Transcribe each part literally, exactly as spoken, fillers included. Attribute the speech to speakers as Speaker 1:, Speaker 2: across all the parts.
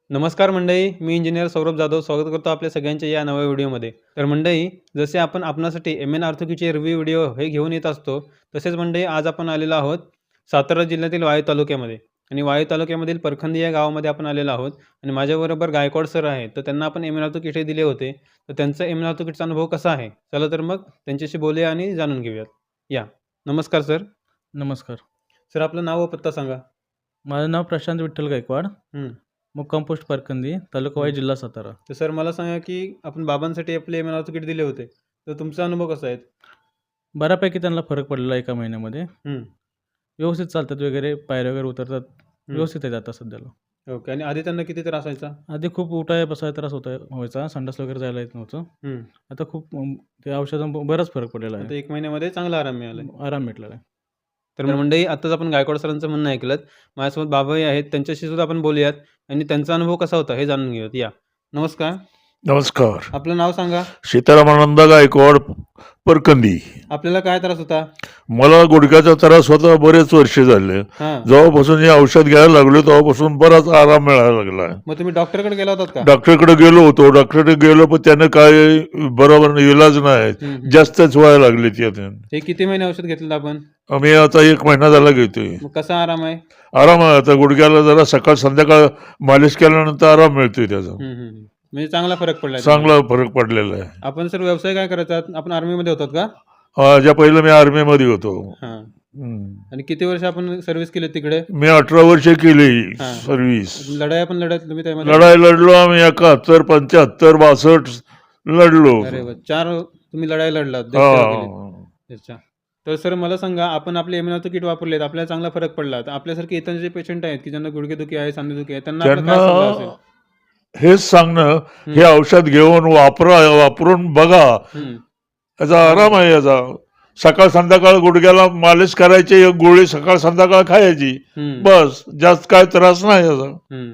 Speaker 1: नमस्कार मंडळी, मी इंजिनियर सौरभ जाधव स्वागत करतो आपल्या सगळ्यांच्या या नव्या व्हिडिओमध्ये. तर मंडळी, जसे आपण आपणासाठी एम एन आर्थोकीचे रिव्ह्यू व्हिडिओ हे घेऊन येत असतो, तसेच मंडळी आज आपण आलेलो आहोत सातारा जिल्ह्यातील वाई तालुक्यामध्ये आणि वाई तालुक्यामधील परखंदी या गावामध्ये आपण आलेलो आहोत आणि माझ्याबरोबर गायकवाड सर आहेत. तर त्यांना आपण एम एन आर्थोकीट हे दिले होते. तर त्यांचा एम एन आर्थोकीटचा अनुभव कसा आहे? चला तर मग त्यांच्याशी बोलूया आणि जाणून घेऊयात. या. नमस्कार सर.
Speaker 2: नमस्कार.
Speaker 1: सर आपलं नाव व पत्ता सांगा.
Speaker 2: माझं नाव प्रशांत विठ्ठल गायकवाड.
Speaker 1: हं.
Speaker 2: मुक्काम पोस्ट परकंदी, तालुका वाई, जिल्हा सातारा.
Speaker 1: तर सर मला सांगा की आपण बाबांसाठी आपले एम एन आर्थोकीट दिले होते. तर तुमचा अनुभव कसा आहे?
Speaker 2: बऱ्यापैकी त्यांना फरक पडलेला एका महिन्यामध्ये.
Speaker 1: हं.
Speaker 2: व्यवस्थित चालतात वगैरे, पायऱ्या वगैरे उतरतात.
Speaker 1: हं.
Speaker 2: व्यवस्थित आहेत आता सध्याला.
Speaker 1: ओके. आणि आधी त्यांना किती त्रास व्हायचा?
Speaker 2: आधी खूप उठाय बसाय त्रास होता व्हायचा, संडास वगैरे जायला येत नव्हतं.
Speaker 1: हं.
Speaker 2: आता खूप अं, ते औषधां बराच फरक पडलेला
Speaker 1: आता
Speaker 2: आहे.
Speaker 1: एक महिन्यामध्ये चांगला आराम मिळाला आहे.
Speaker 2: आराम भेटलेला आहे.
Speaker 1: तर मंडळी आत्ताच आपण गायकवाड सरांचं म्हणणं ऐकलंत. माझ्यासोबत बाबाही आहेत. त्यांच्याशी सुद्धा आपण बोलूयात आणि त्यांचा अनुभव कसा होता हे जाणून घेऊयात. या. नमस्कार.
Speaker 3: नमस्कार.
Speaker 1: आपलं नाव सांगा.
Speaker 3: सीतारामानंद गायकवाड, परकंदी.
Speaker 1: आपल्याला काय त्रास होता?
Speaker 3: मला गुडघ्याचा त्रास होता, बरेच वर्ष झाले.
Speaker 1: हां.
Speaker 3: जेव्हापासून हे औषध घ्यायला लागलो तेव्हापासून बराच आराम मिळायला लागला.
Speaker 1: मग तुम्ही डॉक्टरकडे गेला होतात का?
Speaker 3: डॉक्टरकडे गेलो होतो. डॉक्टरकडे गेलो पण त्याने काय बरोबर इलाज नाही,
Speaker 1: हं, हं.
Speaker 3: जास्तच व्हायला लागले त्याने.
Speaker 1: हे किती महिने औषध घेतलं आपण?
Speaker 3: आम्ही आता एक महिना झाला घेतोय.
Speaker 1: मग कसा आराम आहे?
Speaker 3: आराम आहे आता. गुडघ्याला जरा सकाळ संध्याकाळ मालिश केल्यानंतर आराम मिळतोय त्याचा.
Speaker 1: हं, हं, हं. म्हणजे चांगला फरक पडलाय.
Speaker 3: चांगला फरक पडलेला आहे.
Speaker 1: आपण सर व्यवसाय काय करायचा? आपण आर्मीमध्ये होतात का?
Speaker 3: हा, ज्या पहिलं मी आर्मीमध्ये होतो.
Speaker 1: हां.
Speaker 3: हम्म.
Speaker 1: आणि किती वर्ष आपण सर्व्हिस केली तिकडे?
Speaker 3: मी अठरा वर्ष केली
Speaker 1: हां.
Speaker 3: सर्व्हिस.
Speaker 1: लढाया पण लढत तुम्ही त्यामध्ये?
Speaker 3: लढाई लढलो आम्ही एकाहत्तर पंच्याहत्तर बासष्ट लढलो.
Speaker 1: अरे वा. चार तुम्ही लढाई लढलात. देशसेवा केलीत.
Speaker 3: हा.
Speaker 1: अच्छा. तर सर मला सांगा, आपण आपले एम एन आर्थोकीट वापरलेत, आपल्याला चांगला फरक पडला. तर आपल्यासारखे इतर जे पेशंट आहेत की ज्यांना गुडघेदुखी आहे, सांधेदुखी आहे, त्यांना आपला काय सल्ला असेल?
Speaker 3: त्यांना हेच सांगणं,
Speaker 1: हं.
Speaker 3: हे औषध घेऊन वापरा, वापरून बघा.
Speaker 1: हं.
Speaker 3: याचा आराम आहे याचा. सकाळ संध्याकाळ गुडघ्याला मालिश करायची, एक गोळी सकाळ संध्याकाळ खायची,
Speaker 1: हं.
Speaker 3: बस. जास्त काय त्रास नाही याचा.
Speaker 1: हं.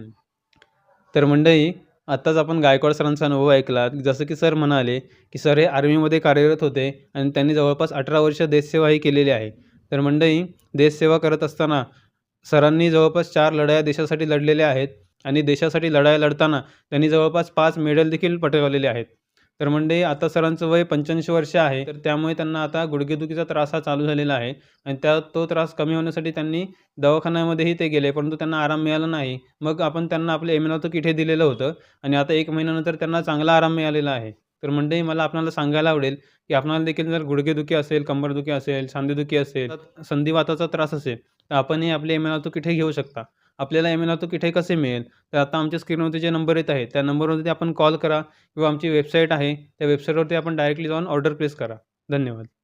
Speaker 1: तर मंडळी आत्ताच आपण गायकवाड सरांचा अनुभव ऐकला. जसं की सर म्हणाले की सर हे आर्मीमध्ये कार्यरत होते आणि त्यांनी जवळपास अठरा वर्ष देशसेवाही केलेली आहे. तर मंडळी देशसेवा करत असताना सरांनी जवळपास चार लढाया देशासाठी लढलेल्या आहेत आणि देशासाठी लढाया लढताना त्यांनी जवळपास पाच मेडल देखील पटकावलेले आहेत. तर मंडळी आता सरांचं वय पंच्याऐंशी वर्ष आहे. तर त्यामुळे त्यांना आता गुडघेदुखीचा त्रास हा चालू झालेला आहे आणि त्या तो त्रास कमी होण्यासाठी त्यांनी दवाखान्यामध्येही ते गेले, परंतु त्यांना आराम मिळाला नाही. मग आपण त्यांना आपलं एम एन आर्थोकीट हे दिलेलं होतं आणि आता एक महिन्यानंतर त्यांना चांगला आराम मिळालेला आहे. तर मंडळी मला आपल्याला सांगायला आवडेल की आपणाला देखील जर गुडघेदुखी असेल, कंबरदुखी असेल, सांधेदुखी असेल, संधिवाताचा त्रास असेल, तर आपणही आपले एम एन आर्थोकीट हे घेऊ शकता. आपल्याला एम एन आर्थोकीट हे कसे मिळेल? तर आता आमच्या स्क्रीनवरती जे नंबर येत आहेत, त्या नंबरवरती आपण कॉल करा किंवा आमची वेबसाईट आहे, त्या वेबसाईटवरती आपण डायरेक्टली जाऊन ऑर्डर प्लेस करा. धन्यवाद.